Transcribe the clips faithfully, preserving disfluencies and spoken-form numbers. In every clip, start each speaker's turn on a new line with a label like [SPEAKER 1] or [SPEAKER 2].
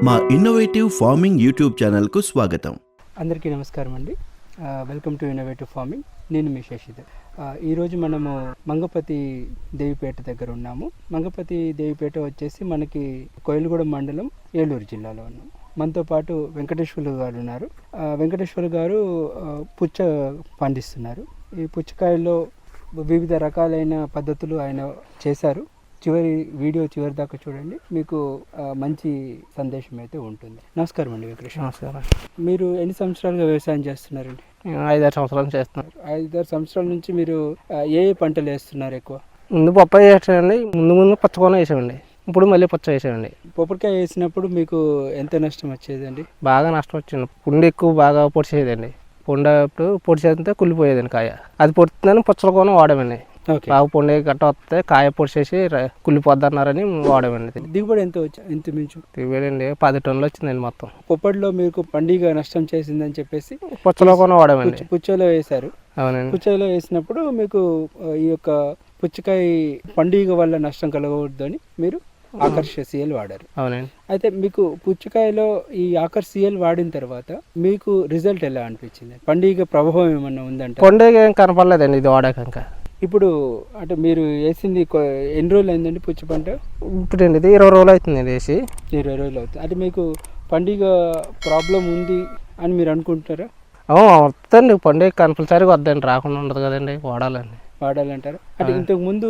[SPEAKER 1] మా innovative farming YouTube ఛానల్కు స్వాగతం.
[SPEAKER 2] అందరికీ నమస్కారం అండి. Welcome to innovative farming. నేను మీ శశిధర్. ఈరోజు మనము మంగపతి దేవిపేట దగ్గర ఉన్నాము. మంగపతి దేవిపేట వచ్చేసి మనకి కోయిలగూడెం మండలం, ఏలూరు జిల్లాలో ఉన్నాం. మనతో పాటు వెంకటేశ్వర్లు గారు ఉన్నారు. వెంకటేశ్వర్లు గారు పుచ్చ పండిస్తున్నారు. ఈ పుచ్చకాయల్లో వివిధ రకాలైన పద్ధతులు ఆయన చేశారు. చివరి వీడియో చివరి దాకా చూడండి, మీకు మంచి సందేశం అయితే ఉంటుంది. నమస్కారం అండి వెంకటేశ్వర.
[SPEAKER 3] నమస్కారం.
[SPEAKER 2] మీరు ఎన్ని సంవత్సరాలుగా వ్యవసాయం చేస్తున్నారండి?
[SPEAKER 3] ఐదారు సంవత్సరాలు చేస్తున్నారు.
[SPEAKER 2] ఐదారు సంవత్సరాల నుంచి మీరు ఏ ఏ పంటలు వేస్తున్నారు? ఎక్కువ
[SPEAKER 3] ముందు పప్పాయి వేసామండి, ముందు ముందు పచ్చకోన వేసామండి, ఇప్పుడు మళ్ళీ పచ్చ వేసామండి.
[SPEAKER 2] పొప్పటికాయ వేసినప్పుడు మీకు ఎంత నష్టం వచ్చేదండి?
[SPEAKER 3] బాగా నష్టం వచ్చింది. పుండు ఎక్కువ బాగా పొడిచేదండి. పుండప్పుడు పొడిచేస్తే కుళ్ళిపోయేదండి కాయ. అది పొడుతుందని పుచ్చల కోన వాడామండి. బాగా పొండే గట్ట వస్తే కాయ పొడిచేసి కుళ్ళిపోద్ది అన్నారని వాడామండి.
[SPEAKER 2] దిగుబడి ఎంత వచ్చి ఎంత మించు
[SPEAKER 3] దిగుబడి అండి పది టన్నులు వచ్చిందండి మొత్తం.
[SPEAKER 2] పొప్పటిలో మీకు పండుగ నష్టం చేసిందని చెప్పేసి
[SPEAKER 3] పుచ్చలో కోన వాడామండి.
[SPEAKER 2] పుచ్చలో వేశారు.
[SPEAKER 3] అవునండి.
[SPEAKER 2] పుచ్చలో వేసినప్పుడు మీకు ఈ యొక్క పుచ్చకాయ పండుగ వల్ల నష్టం కలగకూడదని మీరు ఆకర్ష సిఎల్ వాడారు.
[SPEAKER 3] అవునండి.
[SPEAKER 2] అయితే మీకు పుచ్చకాయలో ఈ ఆకర్ష సిఎల్ వాడిన తర్వాత మీకు రిజల్ట్ ఎలా అనిపించింది? పండుగ ప్రభావం ఏమన్నా ఉందంటే?
[SPEAKER 3] పండుగ ఏం కనపడలేదండి ఇది వాడాక.
[SPEAKER 2] ఇప్పుడు అంటే మీరు వేసింది ఎన్ని రోజులు అయిందండి పుచ్చ పంట?
[SPEAKER 3] ఇప్పుడు అండి ఇది ఇరవై రోజులు అవుతుంది వేసి.
[SPEAKER 2] ఇరవై రోజులు అవుతుంది. అంటే మీకు పండుగ ప్రాబ్లం ఉంది అని మీరు అనుకుంటున్నారా?
[SPEAKER 3] వద్దండి, పండుగ కంపల్సరీగా వద్దండి, రాకుండా ఉండదు కదండి, వాడాలండి.
[SPEAKER 2] వాడాలంటారా? అంటే ఇంతకు ముందు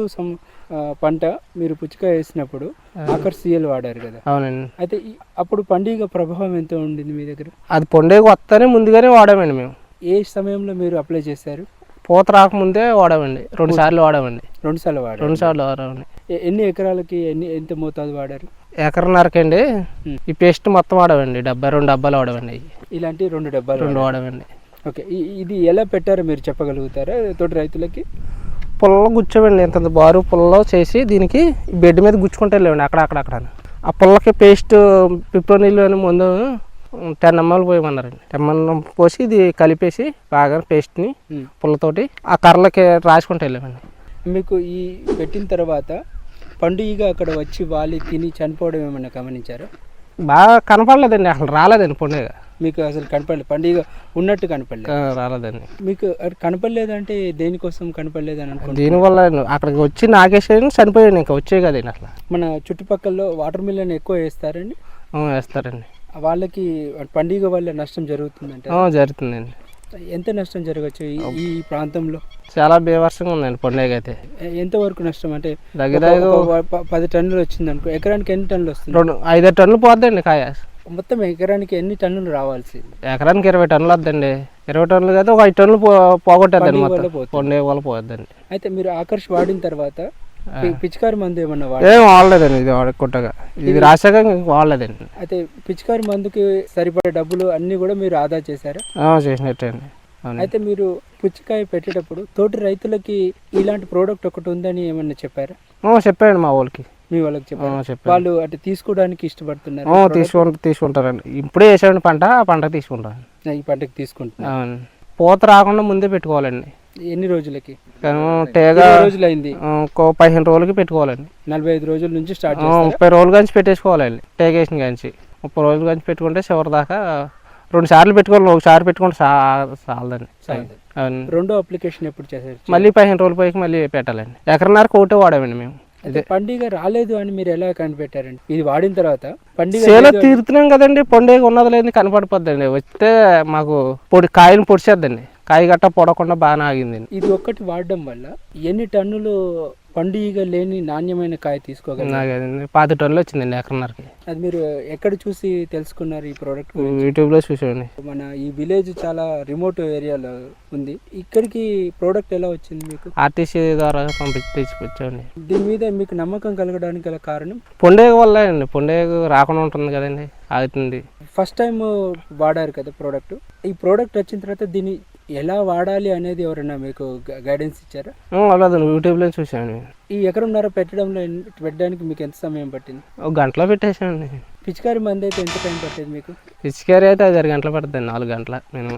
[SPEAKER 2] పంట మీరు పుచ్చకాయ వేసినప్పుడు ఆకర్ సిఎల్ వాడారు కదా?
[SPEAKER 3] అవునండి.
[SPEAKER 2] అయితే అప్పుడు పండుగ ప్రభావం ఎంత ఉండింది మీ దగ్గర?
[SPEAKER 3] అది పండుగ వస్తానే ముందుగానే వాడామండి మేము.
[SPEAKER 2] ఏ సమయంలో మీరు అప్లై చేశారు?
[SPEAKER 3] పూత రాకముందే వాడామండి, రెండు సార్లు వాడామండి.
[SPEAKER 2] రెండు సార్లు వాడారు.
[SPEAKER 3] రెండు సార్లు వాడామండి.
[SPEAKER 2] ఎన్ని ఎకరాలకి ఎన్ని ఎంత మోతాదు వాడారు?
[SPEAKER 3] ఎకరన్నరకండి. ఈ పేస్ట్ మొత్తం వాడామండి, డెబ్బై రెండు డబ్బాలు వాడామండి.
[SPEAKER 2] ఇలాంటి రెండు డబ్బాలు
[SPEAKER 3] రెండు వాడామండి.
[SPEAKER 2] ఓకే, ఇది ఎలా పెట్టారో మీరు చెప్పగలుగుతారా తోటి రైతులకి?
[SPEAKER 3] పుల్లలో గుచ్చామండి, ఇంత బారు పుల్లలో చేసి దీనికి బెడ్ మీద గుచ్చుకుంటే వెళ్ళామండి అక్కడ అక్కడక్కడ. ఆ పుల్లకి పేస్ట్ పిప్రోనిల్ అని ముందు టెన్ ఎంఎల్ పోయమన్నారండి. టెన్ ఎంఎల్ పోసి ఇది కలిపేసి బాగా పేస్ట్ని పుల్లతోటి ఆ కర్రలకి రాసుకుంటూ వెళ్ళామండి.
[SPEAKER 2] మీకు ఈ పెట్టిన తర్వాత పండుగ అక్కడ వచ్చి వాళ్ళు తిని చనిపోవడం ఏమన్నా గమనించారా?
[SPEAKER 3] బాగా కనపడలేదండి, అసలు రాలేదండి పండుగ.
[SPEAKER 2] మీకు అసలు కనపడలేదు, పండుగ ఉన్నట్టు కనపడలేదు?
[SPEAKER 3] రాలేదండి.
[SPEAKER 2] మీకు కనపడలేదంటే దేనికోసం కనపడలేదని అనుకుంటున్నాను?
[SPEAKER 3] దీనివల్ల అక్కడికి వచ్చి నాగేశ్వరి చనిపోయాడు, ఇంకా వచ్చే కదండి. అసలు
[SPEAKER 2] మన చుట్టుపక్కల వాటర్ మిలన్ ఎక్కువ వేస్తారండి?
[SPEAKER 3] వేస్తారండి.
[SPEAKER 2] వాళ్ళకి పండుగ వల్ల నష్టం జరుగుతుందంటే?
[SPEAKER 3] జరుగుతుందండి.
[SPEAKER 2] ఎంత నష్టం జరగచ్చు ఈ ప్రాంతంలో?
[SPEAKER 3] చాలా బీభత్సంగా ఉందండి పండుగ అయితే.
[SPEAKER 2] ఎంతవరకు నష్టం అంటే?
[SPEAKER 3] దగ్గర
[SPEAKER 2] పది టన్నులు వచ్చింది అనుకో, ఎకరానికి ఎన్ని టన్నులు వస్తుంది?
[SPEAKER 3] రెండు ఐదారు టన్నులు పోద్దండి కాయ.
[SPEAKER 2] మొత్తం ఎకరానికి ఎన్ని టన్నులు రావాల్సింది?
[SPEAKER 3] ఎకరానికి ఇరవై టన్నులు వద్దండి. ఇరవై టన్నులు కదా ఒక ఐదు టన్నులు పోగొట్టేద్దండి మొత్తం, పండుగ వల్ల పోద్దండి. అయితే
[SPEAKER 2] మీరు ఆకర్ష్ వాడిన తర్వాత పిచికారి మందు ఏమన్నా
[SPEAKER 3] ఏం వాడలేదండి, ఇది వాడకుంటగా ఇది రాశాక వాడలేదండి.
[SPEAKER 2] అయితే పిచికారి మందుకి సరిపడే డబ్బులు అన్ని కూడా మీరు ఆదా చేశారా?
[SPEAKER 3] చేసినట్టండి.
[SPEAKER 2] అయితే మీరు పుచ్చకాయ పెట్టేటప్పుడు తోటి రైతులకి ఇలాంటి ప్రోడక్ట్ ఒకటి ఉందని ఏమన్నా చెప్పారా?
[SPEAKER 3] చెప్పారండి మా వాళ్ళకి.
[SPEAKER 2] మీ వాళ్ళకి చెప్పారు? వాళ్ళు అంటే తీసుకోవడానికి ఇష్టపడుతున్నారు?
[SPEAKER 3] తీసుకుంటారు తీసుకుంటారండి ఇప్పుడే వేసాడు పంట, ఆ పంట తీసుకుంటారు.
[SPEAKER 2] ఈ పంటకి తీసుకుంటున్నారు.
[SPEAKER 3] పూత రాకుండా ముందే పెట్టుకోవాలండి.
[SPEAKER 2] ఎన్ని రోజులకి?
[SPEAKER 3] టేగా
[SPEAKER 2] రోజులు అయింది,
[SPEAKER 3] పదిహేను రోజులకి పెట్టుకోవాలండి.
[SPEAKER 2] నలభై ఐదు రోజుల నుంచి స్టార్ట్
[SPEAKER 3] ముప్పై రోజుల నుంచి పెట్టేసుకోవాలండి. టేగేసిన కాంచి ముప్పై రోజుల నుంచి పెట్టుకుంటే చివరి దాకా రెండు సార్లు పెట్టుకోవాలి. ఒకసారి పెట్టుకుంటే చాలదండి.
[SPEAKER 2] రెండో అప్లికేషన్ ఎప్పుడు చేశారు?
[SPEAKER 3] మళ్ళీ పదిహేను రోజుల పైకి మళ్ళీ పెట్టాలండి. ఎకరన్నరకు ఒకటే వాడామండి మేము.
[SPEAKER 2] అదే పండుగ రాలేదు అని మీరు ఎలా కనిపెట్టారండి? ఇది వాడిన తర్వాత పండుగ
[SPEAKER 3] సేలో తీరుతున్నాం కదండి, పండుగ ఉన్నది లేదు కనపడిపోద్దండి. వస్తే మాకు పొడి కాయలు పొడిచేద్దండి, కాయ గట్ట పొడకుండా బాగా ఆగిందండి.
[SPEAKER 2] ఇది ఒక్కటి వాడడం వల్ల ఎన్ని టన్నులు పండుగ లేని నాణ్యమైన కాయ తీసుకోగలరు?
[SPEAKER 3] పది టన్నులు వచ్చిందండి ఎకరన్నరకి.
[SPEAKER 2] అది మీరు ఎక్కడ చూసి తెలుసుకున్నారు ఈ ప్రోడక్ట్?
[SPEAKER 3] యూట్యూబ్ లో చూసాండి.
[SPEAKER 2] మన ఈ విలేజ్ చాలా రిమోట్ ఏరియాలో ఉంది, ఇక్కడికి ప్రోడక్ట్ ఎలా వచ్చింది మీకు?
[SPEAKER 3] ఆర్టీసీ ద్వారా పంపించి తీసుకొచ్చాండి.
[SPEAKER 2] దీని మీద మీకు నమ్మకం కలగడానికి గల కారణం
[SPEAKER 3] పండుగ వల్ల అండి. పండుగ రాకుండా ఉంటుంది కదండి, ఆగుతుంది.
[SPEAKER 2] ఫస్ట్ టైం వాడారు కదా ప్రోడక్ట్, ఈ ప్రోడక్ట్ వచ్చిన తర్వాత దీన్ని ఎలా వాడాలి అనేది ఎవరైనా మీకు గైడెన్స్ ఇచ్చారా?
[SPEAKER 3] అలాగే యూట్యూబ్లో చూసాను.
[SPEAKER 2] ఈ ఎకరంన్నర పెట్టడంలో పెట్టడానికి మీకు ఎంత సమయం పట్టింది?
[SPEAKER 3] ఒక గంటలో పెట్టేసానండి.
[SPEAKER 2] పిచికారి మంది అయితే ఎంత టైం పట్టేది మీకు?
[SPEAKER 3] పిచికారి అయితే ఐదారు గంటలు పడుతుంది, నాలుగు గంటల నేను.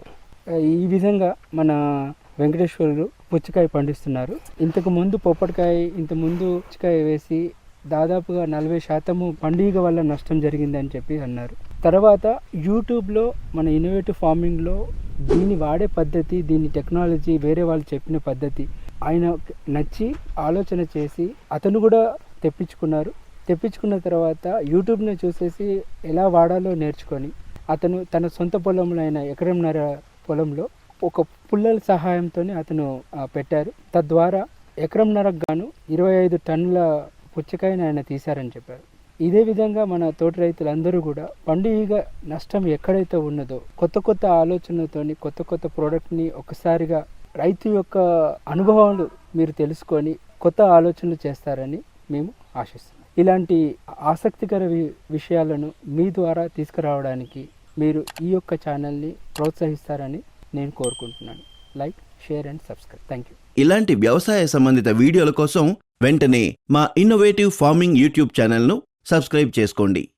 [SPEAKER 2] ఈ విధంగా మన వెంకటేశ్వరులు పుచ్చకాయ పండిస్తున్నారు. ఇంతకు ముందు పొప్పటికాయ, ఇంత ముందు పుచ్చకాయ వేసి దాదాపుగా నలభై శాతము పండుగ వల్ల నష్టం జరిగిందని చెప్పి అన్నారు. తర్వాత యూట్యూబ్లో మన ఇన్నోవేటివ్ ఫార్మింగ్లో దీన్ని వాడే పద్ధతి, దీని టెక్నాలజీ వేరే వాళ్ళు చెప్పిన పద్ధతి ఆయన నచ్చి ఆలోచన చేసి అతను కూడా తెప్పించుకున్నారు. తెప్పించుకున్న తర్వాత యూట్యూబ్ని చూసేసి ఎలా వాడాలో నేర్చుకొని అతను తన సొంత పొలంలో అయిన ఎకరంన్నర పొలంలో ఒక పుల్లల సహాయంతో అతను పెట్టారు. తద్వారా ఎకరంన్నరకు గాను ఇరవై ఐదు టన్నుల పుచ్చకాయని ఆయన తీశారని చెప్పారు. ఇదే విధంగా మన తోటి రైతులందరూ కూడా పండుగ నష్టం ఎక్కడైతే ఉన్నదో కొత్త కొత్త ఆలోచనలతోని కొత్త కొత్త ప్రోడక్ట్ని ఒకసారిగా రైతు యొక్క అనుభవాలు మీరు తెలుసుకొని కొత్త ఆలోచనలు చేస్తారని మేము ఆశిస్తున్నాం. ఇలాంటి ఆసక్తికర విషయాలను మీ ద్వారా తీసుకురావడానికి మీరు ఈ యొక్క ఛానల్ని ప్రోత్సహిస్తారని నేను కోరుకుంటున్నాను. Like, share and subscribe. Thank you.
[SPEAKER 1] ఇలాంటి వ్యవసాయ సంబంధిత వీడియోల కోసం వెంటనే మా ఇన్నోవేటివ్ ఫార్మింగ్ యూట్యూబ్ ఛానల్ను సబ్స్క్రైబ్ చేసుకోండి.